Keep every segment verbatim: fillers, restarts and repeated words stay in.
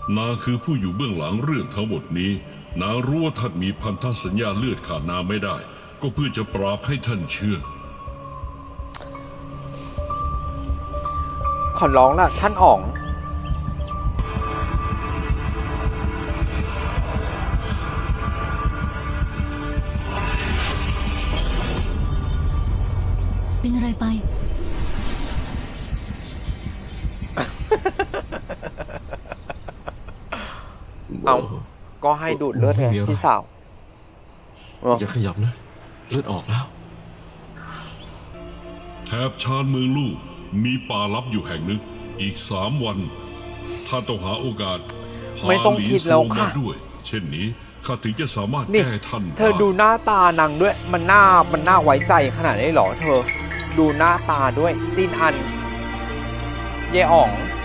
นางคือผู้อยู่เบื้องหลังเรื่องทั้งหมดนี้นางรู้ว่าท่านมีพันธสัญญาเลือดขาดนางไม่ได้ก็เพื่อจะปราบให้ท่านเชื่อขอร้องล่ะท่านอ๋องเป็นอะไรไปเอาก็ให้ดูดเลือดไงพี่สาวอย่าขยับนะเลือดออกแล้วแถบชานเมืองลูกมีป่าลับอยู่แห่งหนึ่งอีกสามวันท่านต้องหาโอกาสหาไม่ต้องหลีคิดโซแล้วมาค่ะด้วย เช่นนี้ข้าถึงจะสามารถนี่แก้ท่านเธอดูหน้าตานางด้วย มันน่ามันน่าไว้ใจขนาดนี้หรอเธอ ดูหน้าตาด้วยจินอัน เยอ๋อง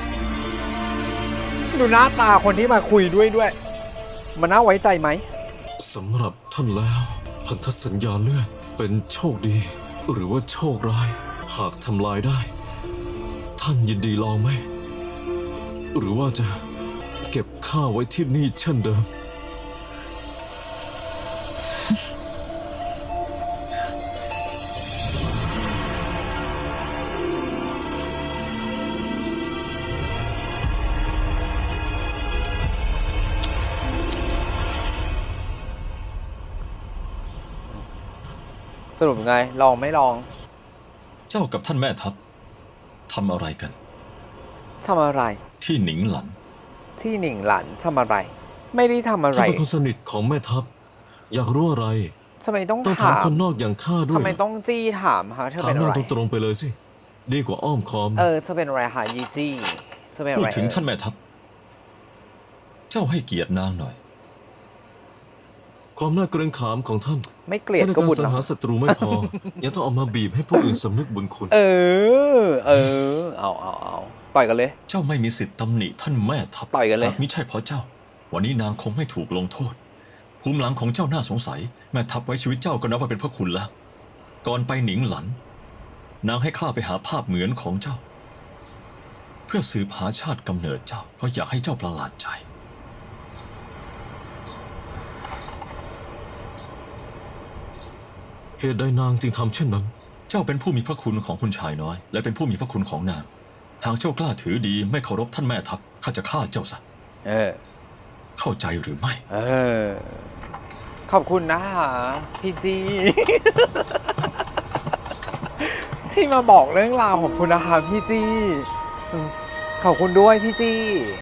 ดูหน้าตาคนที่มาคุยด้วยด้วย มันน่าไว้ใจไหมสำหรับท่านแล้ว พันธสัญญาเลือดเป็นโชคดี หรือว่าโชคร้าย หากทำลายได้ ท่านยินดีลองไหม หรือว่าจะเก็บข้าไว้ที่นี่เช่นเดิมสรุปไง ลองไม่ลองเจ้ากับท่านแม่ทัพทำอะไรกันทำอะไรที่หนิงหลันที่หนิงหลันทำอะไร ไม่ได้ทำอะไรท่านเป็นคนสนิทของแม่ทัพ อยากรู้อะไรทำไมต้องต้องถาถาม มคนนอกอย่างข้าด้วยทำไมเหรอต้องจี้ถามฮะเธอถามเป็นอะนางไรตรงๆไปเลยสิ ดีกว่าอ้อมค้อมเออเธอเป็นอะไรฮะยีจี้เธอเป็นอะพูดไรถึงเออท่านแม่ทัพ เจ้าให้เกียรตินางหน่อยความน่าเกรงขามของท่านไม่เกลียดใช้ในก็การบุญสังเนาะหารศัตรูไม่พอ ยังต้องเอามาบีบให้ผู้อื่นสำนึกบุญคุณเออ เออ เอาเอาเอาต่อยกันเลยเจ้าไม่มีสิทธิ์ตำหนิท่านแม่ทัพต่อยกันเลยหากมิใช่เพราะเจ้า วันนี้นางคงไม่ถูกลงโทษ ภูมิหลังของเจ้าน่าสงสัย แม่ทัพไว้ชีวิตเจ้าก็นับว่าเป็นพระคุณแล้ว ก่อนไปหนิงหลัน นางให้ข้าไปหาภาพเหมือนของเจ้า เพื่อสืบหาชาติกำเนิดเจ้า เพราะอยากให้เจ้าประหลาดใจเหตุใดนางจึงทำเช่นนั้นเจ้าเป็นผู้มีพระคุณของคุณชายน้อย และเป็นผู้มีพระคุณของนาง หากเจ้ากล้าถือดีไม่เคารพท่านแม่ทัพข้าจะฆ่าเจ้าซะเออเข้าใจหรือไม่เออ ขอบคุณนะฮะพี่จี ที่มาบอกเรื่องราวของคุณนะคะพี่จีอืมขอบคุณด้วยพี่จี